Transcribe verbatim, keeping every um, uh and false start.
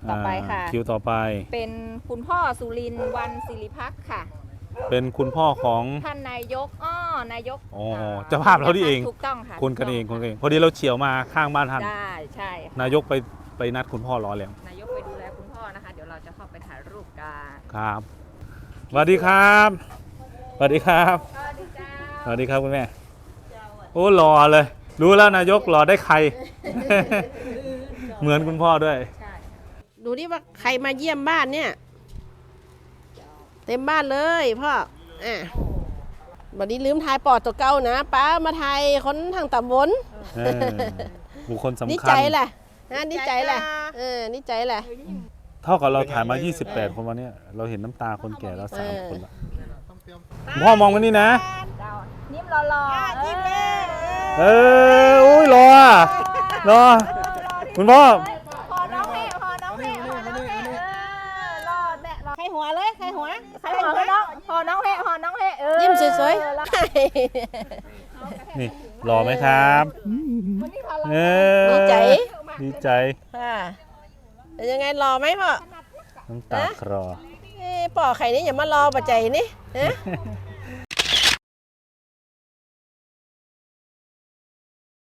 ต่อไปค่ะคิวต่อไปเป็นคุณพ่อสุรินทร์วันศิริพักษ์ค่ะเป็นคุณพ่อของท่านนายกอ้อนายกอ๋อเจ้าภาพเราที่เองถูกต้องค่ะคนกันเองคนกันเองพอดีเราเฉียวมาข้างบ้านท่านได้ใช่ค่ะนายกไปไปนัดคุณพ่อรอแล้วนายกไปดูแลคุณพ่อนะคะ เดี๋ยวเราจะเข้าไปถ่ายรูปกันครับสวัสดีครับสวัสดีครับสวัสดีจ้าสวัสดีครับคุณแม่โอ้หล่อเลยรู้แล้วนายกหล่อได้ใคร เหมือนคุณพ่อด้วยใช่ดูดิว่าใครมาเยี่ยมบ้านเนี่ย เต็มบ้านเลยพ่ออ่ะวันนี้ลืมทายปอดตัวเก่านะป้ามาทายคนทางตำบลเออบุคคลสำนี่คัใจญแหละนะนี่ใจแหละเออนี่ใจแหละเท่ากับเราถ่ายมา ยี่สิบแปด คนวันนี้เราเห็นน้ำตาคนแก่แล้วสามคนละคุณพ่อมองมานี่นะเจ้ายิ้มรอๆยิ้มเลยเอออุ้ยรออ่ะรอคุณพ่อพอน้องแม่พอน้องแม่พอน้องแม่เออรอแม่รอใครหัวเลยใครหัวใครพอน้องพอน้องแม่พอน้องแม่เออยิ้มสวยนี่รอไหมครับเออๆดีใจดีใจค่ะเป็นยังไงรอไหมพ่อน้ำตาคลอเอ้ป่อไข่นี่อย่ามารอปัจจัยนี่ฮะ